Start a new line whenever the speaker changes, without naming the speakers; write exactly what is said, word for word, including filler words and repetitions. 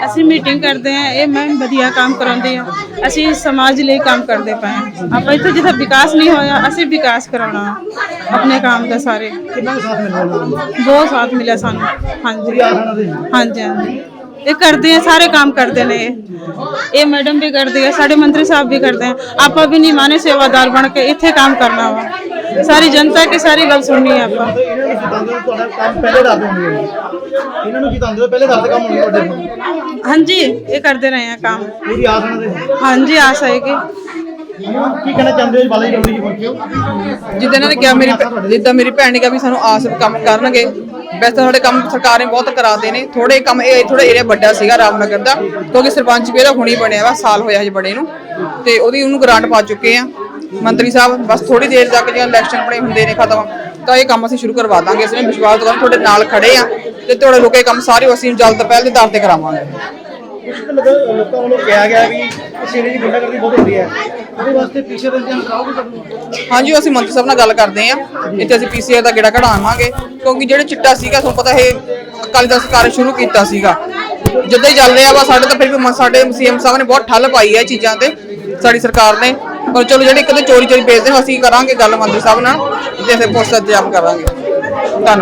ਅਸੀਂ ਮੀਟਿੰਗ ਕਰਦੇ ਹਾਂ। ਇਹ ਮੈਮ ਵਧੀਆ ਕੰਮ ਕਰਾਉਂਦੇ ਆ। ਅਸੀਂ ਸਮਾਜ ਲਈ ਕੰਮ ਕਰਦੇ ਪਏ ਹਾਂ। ਆਪਾਂ ਇੱਥੇ ਜਿੱਥੇ ਵਿਕਾਸ ਨਹੀਂ ਹੋਇਆ ਅਸੀਂ ਵਿਕਾਸ ਕਰਾਉਣਾ ਆਪਣੇ ਕੰਮ ਦਾ। ਸਾਰੇ
ਕਿੰਨਾ ਸਾਥ ਮਿਲਿਆ
ਬਹੁਤ ਸਾਥ ਮਿਲਿਆ ਸਾਨੂੰ। ਹਾਂਜੀ ਹਾਂਜੀ ਹਾਂਜੀ ਇਹ ਕਰਦੇ ਆ, ਸਾਰੇ ਕੰਮ ਕਰਦੇ ਨੇ। ਇਹ ਇਹ ਮੈਡਮ ਵੀ ਕਰਦੇ ਆ, ਸਾਡੇ ਮੰਤਰੀ ਸਾਹਿਬ ਵੀ ਕਰਦੇ ਆ। ਆਪਾਂ ਵੀ ਨਿਮਾਣੇ ਸੇਵਾਦਾਰ ਬਣ ਕੇ ਇੱਥੇ ਕੰਮ ਕਰਨਾ ਵਾ। ਸਾਰੀ जनता की सारी गल सुननी है आप। हाँ जी ये करते रहे हैं काम। हाँ जी आस आएगी।
जिद्दां इन्होंने कहा मेरी जिद्दां मेरी भैन ने कहा भी सानू आस कम करनगे। वैसे थोड़े काम सरकार ने बहुत कराते हैं। थोड़े काम थोड़ा एरिया बड़ा सीगा रामनगर का, क्योंकि सरपंच भी हुणी बनया वा, साल होया हजे बड़े नूं ते ओहदी उहनूं ग्रांट पा चुके हैं मंत्री साहब। बस थोड़ी देर तक जो इलैक्शन अपने होंगे ने खत्म तो ये काम असीं शुरू करवा देंगे। इसमें विश्वास तो थोड़े नाल खड़े हैं ते थोड़े लोग काम सारे असीं जल्द पहल के आधार पर करावांगे। हाँ जी असीं मंत्री साहब नाल गल करदे हैं। इत्थे असीं पीसीआर दा गेड़ा कढावांगे, क्योंकि जिहड़े चिट्टा सीगा तुहानूं पता है अकाली दल सरकार शुरू कीता सीगा, जिद्दां ही चल रहा वा साडे तां फिर भी साडे सीएम साहब ने बहुत ठल पाई है चीज़ां ते साडी सरकार ने। पर चलो जिहड़े कदे चोरी चोरी बेचदे असीं करांगे गल मंत्री साहब नाल ते फिर पुलिस इंतजाम करांगे। धन्नवाद।